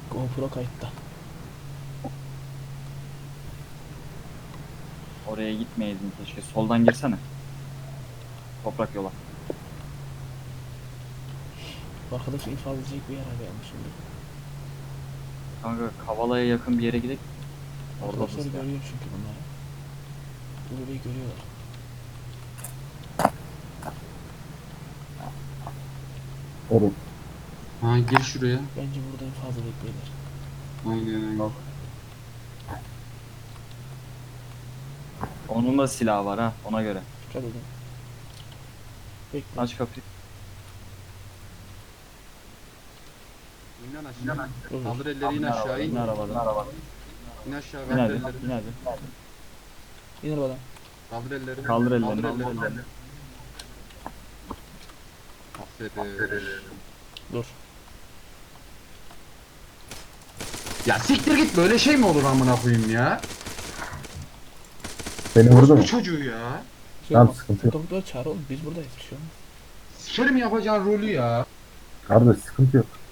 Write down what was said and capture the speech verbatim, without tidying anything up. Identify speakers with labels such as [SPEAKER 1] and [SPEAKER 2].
[SPEAKER 1] GoPro kayıtta.
[SPEAKER 2] Oraya gitmeyeydin keşke. Soldan girsene. Toprak yola.
[SPEAKER 1] Arkadaş infaz edecek bir yer arayalım şimdi.
[SPEAKER 2] Kanka Kavala'ya yakın bir yere gidelim. Orada
[SPEAKER 1] Arkadaşlar
[SPEAKER 2] hızlı ya.
[SPEAKER 1] görüyor çünkü bunları. Bu bebeği görüyorlar.
[SPEAKER 3] Evet.
[SPEAKER 4] Ha gir şuraya.
[SPEAKER 1] Bence burada infaz edecek beyler.
[SPEAKER 4] Aynen aynen.
[SPEAKER 2] Onun da silahı var ha, ona göre.
[SPEAKER 1] Dikkat edin. Bekle.
[SPEAKER 2] Aç kapıyı.
[SPEAKER 4] İn lan aşağı.
[SPEAKER 1] Dur, dur.
[SPEAKER 4] Kaldır elleri in aşağı in.
[SPEAKER 2] İn arabadan.
[SPEAKER 4] İn aşağı
[SPEAKER 2] İn
[SPEAKER 4] kaldır
[SPEAKER 2] hadi.
[SPEAKER 4] elleri.
[SPEAKER 2] İn hadi.
[SPEAKER 1] İn arabadan.
[SPEAKER 4] Kaldır elleri.
[SPEAKER 2] Kaldır ellerini.
[SPEAKER 4] Kaldır
[SPEAKER 2] Kaldır
[SPEAKER 4] ellerini.
[SPEAKER 2] ellerini.
[SPEAKER 4] Aferin.
[SPEAKER 1] Dur.
[SPEAKER 4] Ya siktir git, böyle şey mi olur amına koyayım ya?
[SPEAKER 3] Beni vurdu mu?
[SPEAKER 4] Bu çocuğu ya.
[SPEAKER 1] Şey
[SPEAKER 3] Tamam,
[SPEAKER 1] olmaz.
[SPEAKER 3] sıkıntı yok.
[SPEAKER 1] Doktor çağır oğlum. Biz buradayız. Bir şey olmaz.
[SPEAKER 4] Sikerim yapacağın rolü ya.
[SPEAKER 3] Kardeş sıkıntı yok.